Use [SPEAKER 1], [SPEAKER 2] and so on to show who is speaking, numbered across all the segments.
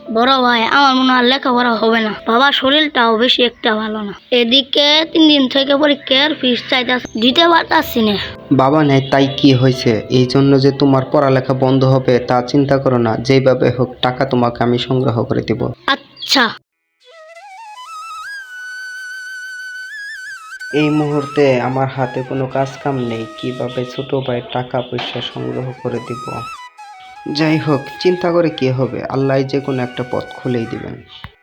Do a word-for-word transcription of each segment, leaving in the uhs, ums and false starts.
[SPEAKER 1] বড় ভাই, আমার মনে হয় লেখাপড়া হবে না, বাবার শরীরটাও বেশি একটা ভালো না। এদিকে তিন দিন থেকে পরীক্ষার ফিস চাইতেছে, দিতে পারতাছি না।
[SPEAKER 2] বাবা নেই তাই কি হয়েছে? এই জন্য যে তোমার পড়ালেখা বন্ধ হবে তা চিন্তা করো না, যেভাবে হোক টাকা তোমাকে আমি সংগ্রহ করে দিব।
[SPEAKER 1] আচ্ছা।
[SPEAKER 2] এই মুহূর্তে আমার হাতে কোনো কাজ কাম নেই, কিভাবে ছোট ভাইয়ের টাকা পয়সা সংগ্রহ করে দিব। যাই হোক, চিন্তা করে কি হবে, আল্লাহ যে কোনো একটা পথ খুলেই দিবেন।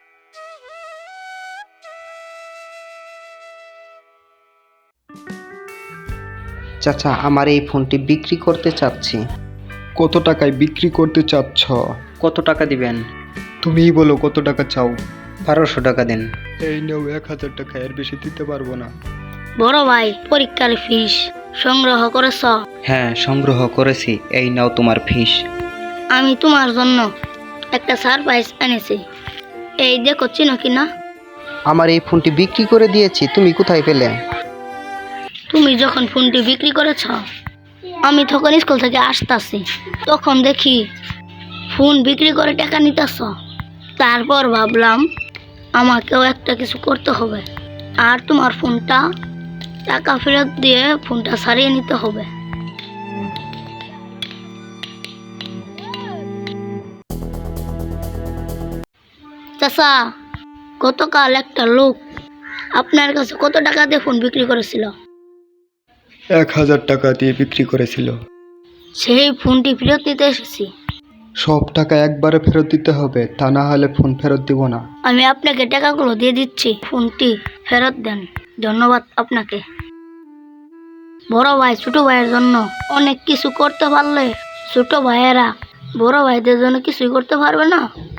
[SPEAKER 2] চাচা, আমার এই ফোনটি বিক্রি করতে চাচ্ছি।
[SPEAKER 3] কত টাকায় বিক্রি করতে চাচ্ছ?
[SPEAKER 2] কত টাকা দিবেন?
[SPEAKER 3] তুমিই বলো কত টাকা চাও।
[SPEAKER 2] বারোশো টাকা দেন।
[SPEAKER 3] এই নেও এক হাজার টাকা, এর বেশি দিতে পারবো না।
[SPEAKER 1] বড় ভাই, পরীক্ষার ফিস সংগ্রহ করেছ?
[SPEAKER 2] হ্যাঁ, সংগ্রহ করেছি, এই নাও তোমার ফিস।
[SPEAKER 1] আমি তোমার জন্য একটা সারপ্রাইজ এনেছি, এই দেখো, চিনো কিনা?
[SPEAKER 2] আমার এই ফোনটি বিক্রি করে দিয়েছি, তুমি কোথায় পেলে?
[SPEAKER 1] তুমি যখন ফোনটি বিক্রি করেছ, আমি তখন স্কুল থেকে আসতেছি, তখন দেখি ফোন বিক্রি করে টাকা নিতেছ। তারপর ভাবলাম আমাকেও একটা কিছু করতে হবে, আর তোমার ফোনটা টাকা ফেরত দিয়ে ফোনটা সারিয়ে নিতে হবে। চাচা, গতকাল একটা লোক আপনার কাছে কত টাকা দিয়ে ফোন বিক্রি করেছিল?
[SPEAKER 3] এক হাজার টাকা দিয়ে বিক্রি করেছিল।
[SPEAKER 1] সেই ফোনটি ফেরত নিতে এসেছি।
[SPEAKER 3] সব টাকা একবারে ফেরত দিতে হবে, তা না হলে ফোন ফেরত দিব না।
[SPEAKER 1] আমি আপনাকে টাকাগুলো দিয়ে দিচ্ছি, ফোনটি ফেরত দেন। ধন্যবাদ আপনাকে। বড় ভাই ছোট ভাইয়ের জন্য অনেক কিছু করতে পারলে ছোট ভাইয়েরা বড় ভাইদের জন্য কিছুই করতে পারবে না।